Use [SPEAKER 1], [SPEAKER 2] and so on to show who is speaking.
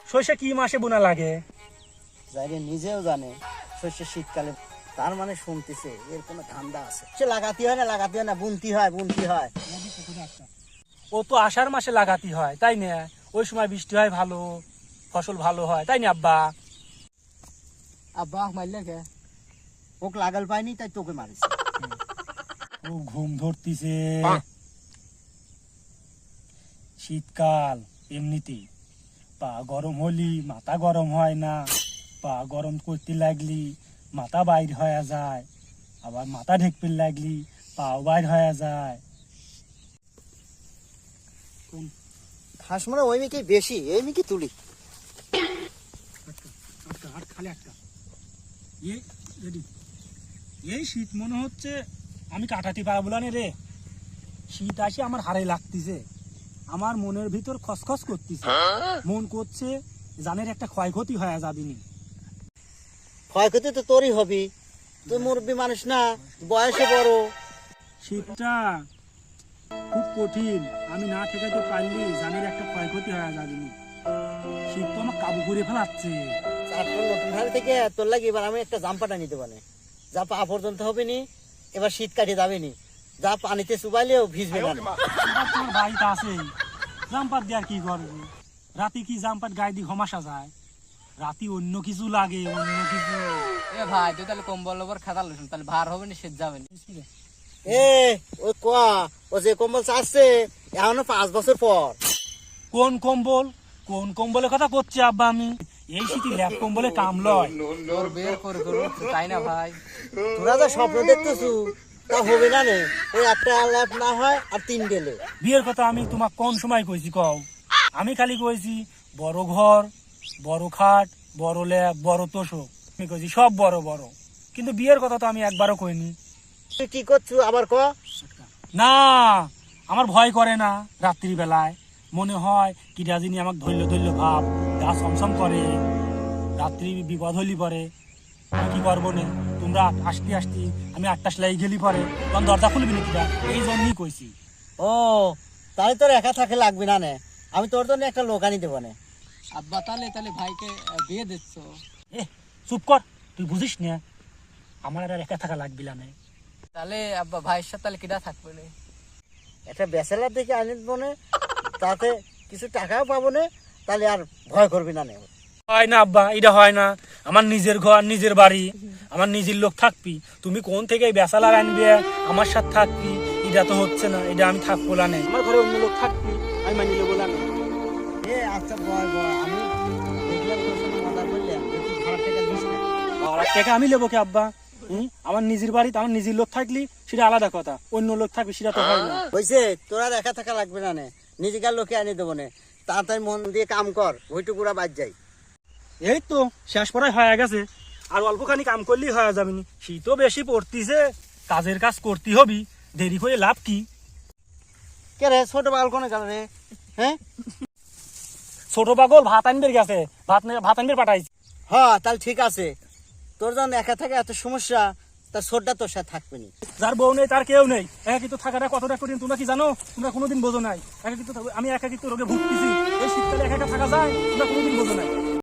[SPEAKER 1] সর্ষে কি মাসে বোনা লাগে?
[SPEAKER 2] যাইরে নিজেও জানে সর্ষে শীতকালে, তার মানে শুনতেছে এর কোনো ধান্দা আছে। সে লাগাতে হয় না, বুনতি হয়।
[SPEAKER 1] ও তো আষাঢ় মাসে লাগাতে হয়, তাই না? ওই সময় বৃষ্টি হয় ভালো, ফসল ভালো হয়, তাই না আব্বা?
[SPEAKER 2] আব্বা মারলে কে? ওকে লাগাল পাইনি তাই তোকে মারিস।
[SPEAKER 1] ও ঘুম ধরতিছে। শীতকাল এমনিতেই পা গরম হলি মাথা গরম হয় না, পা গরম করতে লাগলি মাথা বাইর হয়ে যায়, আবার মাথা ঢেকতে লাগলি পাও বাইর হয়ে যায়।
[SPEAKER 2] ঘাস মানে ওই মিকি বেশি, এই মিকি তুলি।
[SPEAKER 1] এই শীত মনে হচ্ছে আমি কাটাতে পারবো না রে। শীত আসে আমার হারে লাগতেছে, আমার মনের ভিতর খসখস করতেছে, মন করছে জানের একটা ক্ষয়ক্ষতি হয়ে যাবিনি।
[SPEAKER 2] ক্ষয়ক্ষতি তো তোরই হবি, তুই মুরব্বী মানুষ না, বয়সে বড়।
[SPEAKER 1] শীতটা খুব কঠিন, আমি না ঠেকাতে পারলি জানের একটা ক্ষয়ক্ষতি হয়ে যাবিনি। শীত তো আমার কাবু করে ফেলাচ্ছে।
[SPEAKER 2] চারটা নতুন হাড়ি থেকে তোর লাগে এবার আমি একটা জাম্পাটা নিতে পারে, যা পা পর্যন্ত হবে নি, এবার শীত কাটে যাবে নি, যা পানিতে চুবাইলেও ভিজবে না।
[SPEAKER 1] তোমার বাড়িতে আছে জাম্পার দিয়ে আর কি করবে? রাতে কি জাম্পার গায়ে দিয়ে ঘমাসা যায়? রাতে অন্য কিছু লাগে, অন্য কিছু।
[SPEAKER 3] এ ভাই তুই তাহলে কম্বল ওপর খাতা লইছ, তাহলে ভার হবে না, শীত যাবে না।
[SPEAKER 2] এ ওই কোয়া, ও যে কম্বল চাচ্ছে এখনো 5 বছর পর।
[SPEAKER 1] কোন কম্বল? কোন কম্বলের কথা করছি আব্বা আমি? এই শীতে ল্যাপ কম্বলে কাম লয়।
[SPEAKER 3] তোর বের করে করবো তাই না ভাই?
[SPEAKER 2] তোরা যা স্বপ্ন দেখতেছু তা হবে না নে, ওই একটা ল্যাপ না হয় আর 3 গেলে।
[SPEAKER 1] বিয়ের কথা আমি তোমাক কোন সময় কইছি কও? আমি খালি কইছি বড় ঘর, বড় খাট, বড় ল্যাপ, বড় তোষক, আমি কইছি সব বড় বড়, কিন্তু বিয়ের কথা তো আমি একবারও কইনি।
[SPEAKER 2] তুই কি করছু আবার ক?
[SPEAKER 1] না, আমার ভয় করে না। রাত্রি বেলায় মনে হয় কি রাজিনী আমাকে ধরল ধরল ভাব, গা সমসম করে, রাত্রি বিপদ হইলি পরে আমি কি করবো নে? তোমরা আসতে আসতে আমি 8টা সেলাই গেলি পরে তখন দরজা খুলবি নাকি? এই জন্যই কইছি।
[SPEAKER 2] ও তাই তোর একা থাকে লাগবে না নে, আমি তোর জন্য একটা লোক আনি দেবো নে।
[SPEAKER 3] আব্বা তাহলে তাহলে ভাইকে বিয়ে দিচ্ছ?
[SPEAKER 1] এ চুপ কর, তুই বুঝিস না আমার আর একা থাকা লাগবি না।
[SPEAKER 3] তাহলে আব্বা ভাইয়ের সাথে তাহলে কিটা থাকবে না?
[SPEAKER 2] একটা ব্যাচেলার দেখে আনি দেবো নে, তাতে কিছু টাকাও পাবো নে, তাহলে আর ভয় করবি না নে।
[SPEAKER 1] হয় না আব্বা, এটা হয় না। আমার নিজের ঘর, নিজের বাড়ি, আমার নিজের লোক থাকবি, তুমি কোন থেকে বেসালার আনবে আমার সাথে থাকবি? এটা তো হচ্ছে না, এটা আমি থাকবো না। আমার ঘরে অন্য লোক থাকবি, আমি মানি নেবো না।
[SPEAKER 2] এ আচ্ছা বয় বয়, আমি দেখলাম তোর সঙ্গে মজা করলাম, তুই খারাপ টাকা দিস না।
[SPEAKER 1] আর টাকা আমি নেবো কি আব্বা? আমার নিজের বাড়িতে আমার নিজের লোক থাকলি সেটা আলাদা কথা, অন্য লোক থাকবে সেটা তো হয় না।
[SPEAKER 2] হয়েছে, তোর আর একা থাকা লাগবে না নে, নিজেকার লোকে আনি দেবো নে। তাড়াতাড়ি মন দিয়ে কাম কর, ওইটুকুরা বাদ যাই।
[SPEAKER 1] এই তো শেষ পড়াই হয়ে গেছে, আর অল্পখানি কাম করলেই হয়ে যাবেনি। শীতও বেশি পড়তিছে, কাজের কাজ করতে হবি, দেরি করে লাভ কি?
[SPEAKER 2] কে রে ছোট পাগল কোনে গেল রে? হ্যাঁ
[SPEAKER 1] ছোট পাগল ভাত আনবে গেছে, ভাত আনবে পাঠাইছি।
[SPEAKER 2] হ্যাঁ তাহলে ঠিক আছে, তোর যখন একা থাকে এত সমস্যা, তার ছোটটা তোর সাথে থাকবে নি।
[SPEAKER 1] যার বউ নেই তার কেউ নেই, একাকিত্ব থাকাটা কতটা কঠিন তোমরা কি জানো? তোমরা কোনোদিন বোঝো নাই। একাকিত্ব আমি একাকিত্ব রোগে ভুগতেছি, এই শীতকালে একা একা থাকা যায় তোমরা কোনোদিন বোঝো নাই।